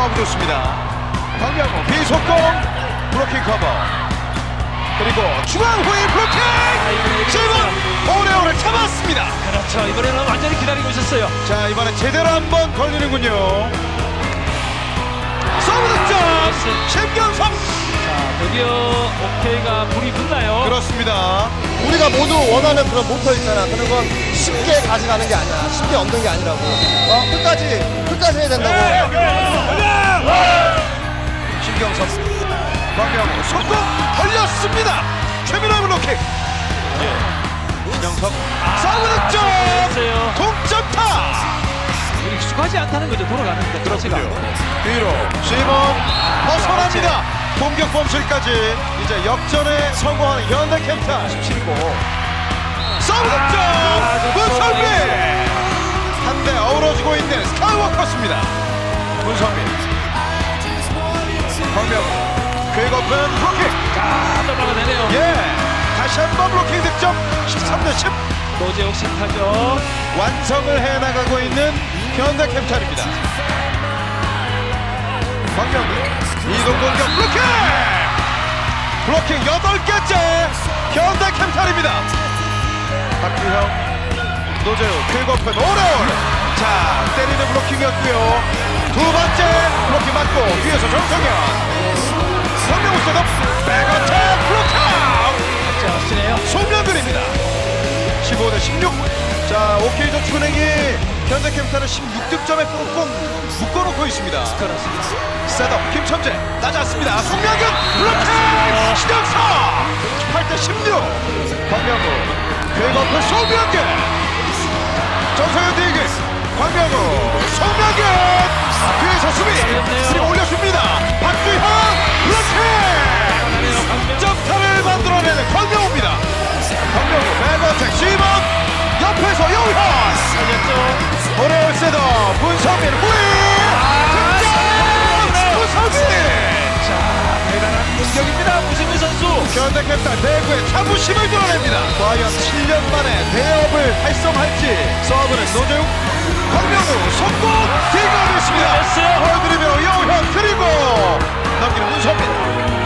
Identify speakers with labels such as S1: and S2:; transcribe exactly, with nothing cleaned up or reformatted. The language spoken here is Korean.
S1: 서브 좋습니다. 박명호 비속공 블로킹 커버 그리고 중앙 후위 블로킹 지금 오레오를 잡았습니다.
S2: 그렇죠. 이번에는 완전히 기다리고 있었어요.
S1: 자 이번에 제대로 한번 걸리는군요. 서브 득점 신경섭.
S2: 자, 드디어 오케이가 불이 붙나요?
S1: 그렇습니다.
S3: 우리가 모두 원하는 그런 목표 있잖아. 그런 건 쉽게 가져가는 게 아니야. 쉽게 얻는 게 아니라고. 어, 끝까지, 끝까지 해야 된다고.
S1: 신경섭 박명호 속공 걸렸습니다. 최민호의 블로킹 신경섭 서브 득점
S2: 됐어요.
S1: 동점타.
S2: 익숙하지 않다는 거죠. 돌아가는 것 자체가.
S1: 뒤로 시몬 벗어납니다. 공격 범실까지 이제 역전에 성공한 현대캐피탈 십칠이고 서브 득점 문선민 한대 어우러지고 있는 스카이워커스입니다. 문선민 박명호 퀵오픈 블로킹
S2: 자, 넘어가 되네요.
S1: 예 다시 한번 블로킹 득점 십삼 대 십
S2: 노재욱 신타죠.
S1: 완성을 해나가고 있는 현대캐피탈입니다. 박명호 이동 공격 블로킹 블로킹 여덟 개째 현대캐피탈입니다. 박규형 노재욱 퀵오픈 오레올 자 때리는 블로킹이었고요. 두 번째 블로킹 맞고 뒤에서 정성현 성명우 셋업 백어택 블로킹
S2: 자, 확실해요.
S1: 송명근입니다. 십오 대 십육 자 오케이저축은행이 현대캐피탈은 십육 득점에 꽁꽁 묶어놓고 있습니다.
S2: 그렇습니다.
S1: 셋업 김천재 낮았습니다. 송명근 블로킹 신영석 십팔 대 십육 박명우 궤거프 송명근 정성현 디그 박명우 송명근 뒤에서 수비 그리고 올려줍니다. 박주형 블로킹 점타를 만들어내는 박명우입니다. 박명우 백어택 시범 옆에서 용현
S2: 살렸죠.
S1: 오레올 셋업 문성민 후위 득점 문성민
S2: 자, 대단한 공격입니다. 무승민 선수.
S1: 현대캐피탈 대구의 자부심을 드러냅니다. 과연 칠 년 만에 대업을 달성할지 서브는 노재욱 박명우 성공 대결이 있습니다.
S2: 됐어요.
S1: 보여드리며 용현 그리고 넘기는 문성민